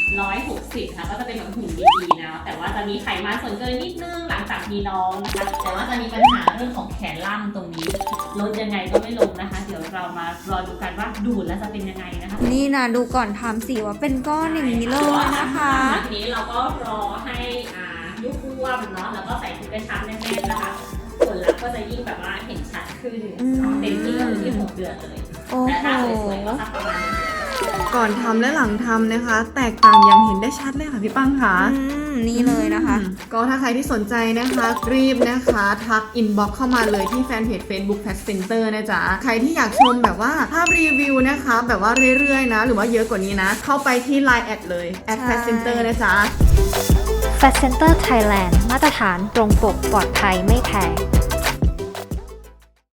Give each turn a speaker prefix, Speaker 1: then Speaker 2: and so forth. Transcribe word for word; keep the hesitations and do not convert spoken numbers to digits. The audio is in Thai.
Speaker 1: ร้อยหกสิบค่ะก็จะเป็นแบบหุ่นดีๆนะแต่ว่าจะมีไขมันส่วนเกินนิดนึงหลังจากมีน้องนะคะแต่ว่าจะมีปัญหาเรื่องของแขนล่างตรงนี้ลดยังไงก็ไม่ลงนะคะเดี๋ยวเรามารอดูกันว่าดูดแล้วจะเป็นยังไงนะคะ
Speaker 2: นี่นะดูก่อนทำสิว่าเป็นก้อนอย่างนี้เลยนะคะ
Speaker 1: ทีนี้เราก็รอให้อ่ายุบอ้วนเนาะแล้วก็ใส่ถุงกระชับแน่นๆนะคะผลลัพธ์ก็จะยิ่งแบบว่าเห็นชัดขึ้นเต็มที่ก็คือที่หกเดือนเลย
Speaker 2: โอ้โห
Speaker 1: แต่ถ้าสวยๆก็สักประมาณ
Speaker 3: ก่อนทำและหลังทำนะคะ แตกต่างอย่างเห็นได้ชัดเลยค่ะพี่ปังค่ะ
Speaker 2: อืมนี่เลยนะคะ
Speaker 3: อืมก็ถ้าใครที่สนใจนะคะรีบนะคะทักอินบ็อกเข้ามาเลยที่แฟนเพจ Facebook Fat Center นะจ๊ะใครที่อยากชมแบบว่าภาพรีวิวนะคะแบบว่าเรื่อยๆนะหรือว่าเยอะกว่านี้นะ เข้าไปที่ ไลน์ แอดเลย แอด Fat Center นะจ๊ะ
Speaker 4: Fat Center Thailand มาตรฐานตรงปกปลอดภัยไม่แพง